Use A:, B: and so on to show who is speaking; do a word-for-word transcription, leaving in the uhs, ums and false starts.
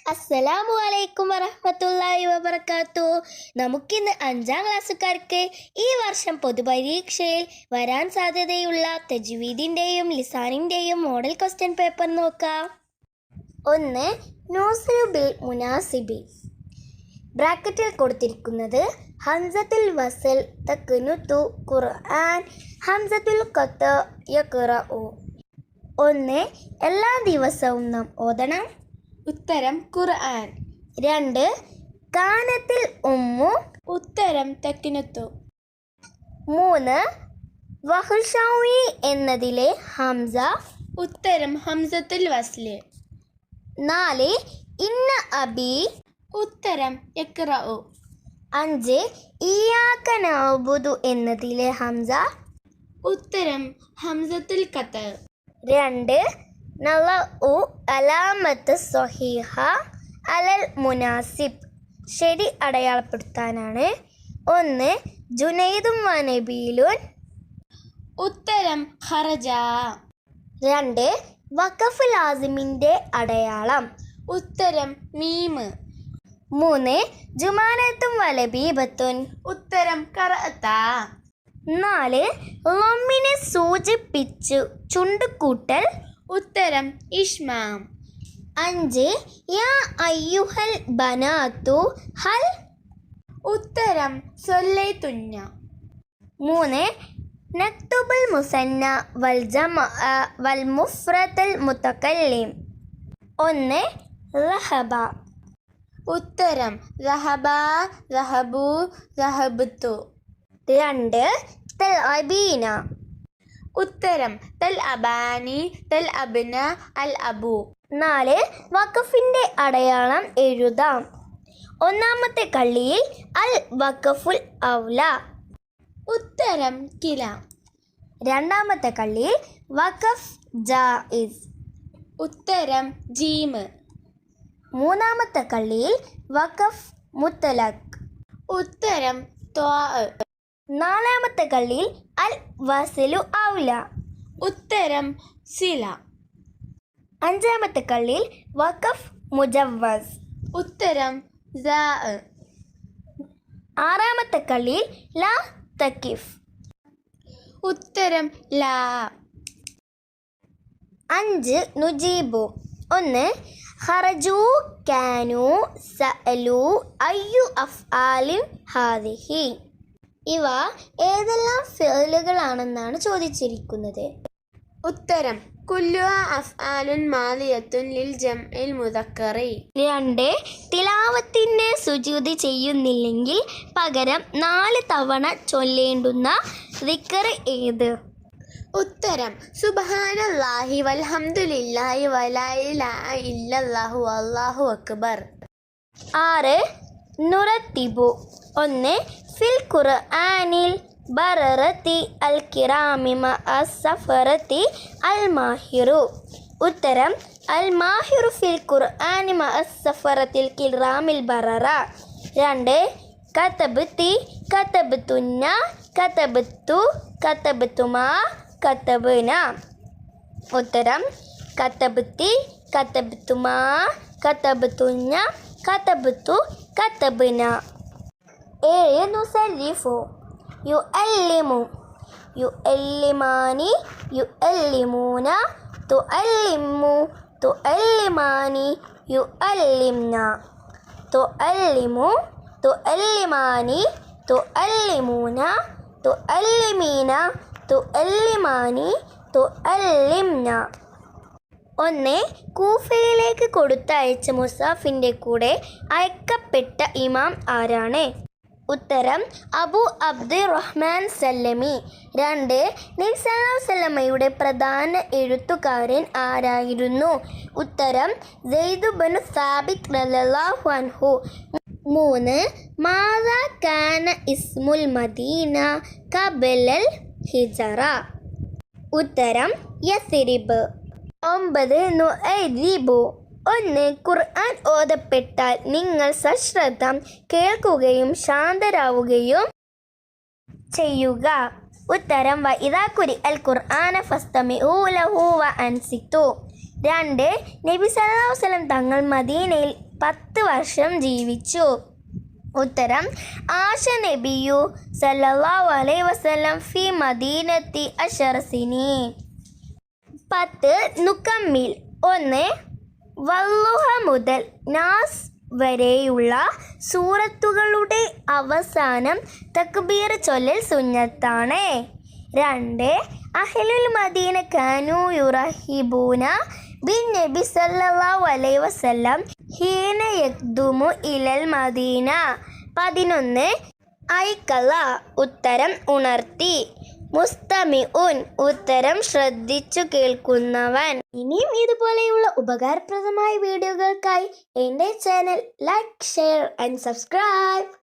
A: അസ്സലാമു അലൈക്കും വറഹ്മത്തുള്ളാഹി വബറകാത്തു. നമുക്കിന്ന് അഞ്ചാം ക്ലാസ്സുകാർക്ക് ഈ വർഷം പൊതുപരീക്ഷയിൽ വരാൻ സാധ്യതയുള്ള തജ്വീദിൻ്റെയും ലിസാനിൻ്റെയും മോഡൽ ക്വസ്റ്റ്യൻ പേപ്പർ നോക്കാം. ഒന്ന്, നൂസിലു ബിൽ മുനാസിബി. ബ്രാക്കറ്റിൽ കൊടുത്തിരിക്കുന്നത് ഹംസത്തുൽ വസൽ തഖ്നുതു ഖുർആൻ, ഹംസത്തുൽ ഖത്ത് യഖ്റഉ. ഒന്ന്, എല്ലാ ദിവസവും നാം ഓതണം.
B: ഉത്തരം ഖുർആൻ.
A: രണ്ട്, കാനത്തിൽ ഉമ്മു.
B: ഉത്തരം തഖ്നുതു.
A: മൂന്ന്, വഹ്ഷാവി എന്നതിലെ ഹംസ.
B: ഉത്തരം ഹംസത്തുൽ വസ്ല്.
A: നാല്, ഇന്ന അബി.
B: ഉത്തരം യഖ്റഉ.
A: അഞ്ച്, ഇയ്യാക നഅ്ബുദു എന്നതിലെ ഹംസ.
B: ഉത്തരം ഹംസത്തുൽ ഖത്ത്.
A: രണ്ട്, നളഉ അലാമത്ത് സ്വഹീഹ അലൽ മുനാസിബ്. ശരി അടയാളപ്പെടുത്താനാണ്. ഒന്ന്, ജുനൈദും വനബീലുൻ.
B: ഉത്തരം ഖറജ.
A: രണ്ട്, വഖഫ് ലാസിമിൻ്റെ അടയാളം.
B: ഉത്തരം മീമ്.
A: മൂന്ന്, ജുമാനത്തും വലബീബത്തുൻ.
B: ഉത്തരം ഖറഅത.
A: നാല്, ലമ്മിനെ സൂചിപ്പിച്ചു ചുണ്ടുകൂട്ടൽ.
B: ഉത്തരം ഇഷ്മാം.
A: അഞ്ച്, യാ അയ്യുഹൽ ബനാത്തു ഹൽ.
B: ഉത്തരം സൊല്ലൈതുന്ന.
A: മൂന്ന്, നക്തുബുൽ മുസന്ന വൽ ജമഅ വൽ മുഫ്രദൽ മുതകല്ലിം. ഒന്ന്, റഹബ.
B: ഉത്തരം റഹബ, റഹബു, റഹബത്തു.
A: രണ്ട്, തൽഅബീന.
B: ഉത്തരം തൽ അബാനി, തൽ അബ്ന, അൽ അബു.
A: നാല്, വഖഫിൻ്റെ അടയാളം എഴുതാം. ഒന്നാമത്തെ കള്ളിയിൽ അൽ വഖഫുൽ ഔല.
B: ഉത്തരം കില.
A: രണ്ടാമത്തെ കള്ളിയിൽ വഖഫ് ജായിസ്.
B: ഉത്തരം ജീമ്.
A: മൂന്നാമത്തെ കള്ളിയിൽ വഖഫ് മുത്തലഖ്.
B: ഉത്തരം ത്വാ.
A: നാലാമത്തെ കള്ളിയിൽ അൽ വസലു ഔല.
B: ഉത്തരം സില.
A: അഞ്ചാമത്തെ കള്ളിയിൽ വഖഫ് മുജവ്വസ്.
B: ഉത്തരം സാ.
A: ആറാമത്തെ കള്ളിയിൽ ലാ തക്കിഫ്.
B: ഉത്തരം ലാ.
A: അഞ്ച്, നുജീബു. ഒന്ന്, ഖറജു, കാനു, സഅലു, അയ്യു അഫ്ആലിൻ ഹാദിഹി. ഇവ ഏതെല്ലാം ഫിഅലുകളാണെന്നാണ് ചോദിച്ചിരിക്കുന്നത്.
B: ഉത്തരം കുല്ലു അഫ്ആലുൻ മാദിയത്തുൻ ലിൽ ജംഇൽ മുദക്കറി.
A: രണ്ട്, തിലാവത്തിന് സുജൂദ് ചെയ്യുന്നില്ലെങ്കിൽ പകരം നാല് തവണ ചൊല്ലേണ്ടുന്ന ദിക്ർ ഏത്?
B: ഉത്തരം സുബ്ഹാനല്ലാഹി വൽഹംദുലില്ലാഹി വലാ ഇലാഹ ഇല്ലല്ലാഹു വല്ലാഹു അക്ബർ.
A: ആറ്, നുറത്തിബു. ഒന്ന്, ഫിൽ ഖുർആനിൽ ബററത്തി അൽ കിറാമി മഅ സഫറത്തി അൽ മാഹിറു. ഉത്തരം അൽ മാഹിറു ഫിൽ ഖുർആനി മഅ സഫറത്തിൽ കിറാമിൽ ബററ. രണ്ട്, കതബ്തി, കതബ്തുന്ന, കതബ്തു, കതബ്തുമാ, കതബ്ന. ഉത്തരം കതബ്തി, കതബ്തുമാ, കതബ്തുന്ന, കതബ്തു, കതബ്ന. ഏഴ്, നുസല്ലിഫു. യുഅല്ലിമു, യുഅല്ലിമാനി, യുഅല്ലിമൂന, തുഅല്ലിമു, തുഅല്ലിമാനി, യുഅല്ലിംന. തുഅല്ലിമു, തുഅല്ലിമാനി, തുഅല്ലിമൂന, തുഅല്ലിമീന, തുഅല്ലിമാനി, തുഅല്ലിംന. ഒന്ന്, കൂഫയിലേക്ക് കൊടുത്തയച്ച മുസാഫിൻ്റെ കൂടെ അയക്കപ്പെട്ട ഇമാം ആരാണ്? ഉത്തരം അബു അബ്ദുറഹ്മാൻ സല്ലമി. രണ്ട്, നബി സല്ലല്ലാഹു അലൈഹി വസല്ലമയുടെ പ്രധാന എഴുത്തുകാരൻ ആരായിരുന്നു? ഉത്തരം സെയ്ദ് ബിൻ സാബിത്ത് റളിയല്ലാഹു അൻഹു. മൂന്ന്, മാദാ കാന ഇസ്മുൽ മദീന ഖബലൽ ഹിജറ. ഉത്തരം യസ്രിബ്. ഒമ്പത്, നുഅദിബു. ഒന്ന്, ഖുർആൻ ഓതപ്പെട്ടാൽ നിങ്ങൾ സശ്രദ്ധം കേൾക്കുകയും ശാന്തരാവുകയും ചെയ്യുക. ഉത്തരം വഇദാ ഖുരിഅൽ ഖുർആന ഫസ്തമിഊ ലഹു വഅൻസിതു. രണ്ട്, നബി സല്ലല്ലാഹു അലൈഹി വസല്ലം തങ്ങൾ മദീനയിൽ പത്ത് വർഷം ജീവിച്ചു. ഉത്തരം ആശ നബിയു സല്ലല്ലാഹു അലൈഹി വസല്ലം ഫി മദീനത്തി അശറ സിനീൻ. പത്ത് നുക്കമ്മിൽ. ഒന്ന് വല്ലുഹ മുതൽ നാസ് വരെയുള്ള സൂറത്തുകളുടെ അവസാനം തക്ബീർ ചൊല്ലൽ സുന്നത്താണ്. രണ്ട് അഹ്ലുൽ മദീന കാനൂ യുറഹിബൂന ബിൻ നബി സല്ലല്ലാഹു അലൈഹി വസല്ലം ഹീന യഖ്ദുമു ഇലൽ മദീന. പതിനൊന്ന് ഐക്കല. ഉത്തരം ഉണർത്തി. മുസ്തമിഉൻ. ഉത്തരം ശ്രദ്ധിച്ചു കേൾക്കുന്നവൻ. ഇനിയും ഇതുപോലെയുള്ള ഉപകാരപ്രദമായ വീഡിയോകൾക്കായി എൻ്റെ channel like, share and subscribe.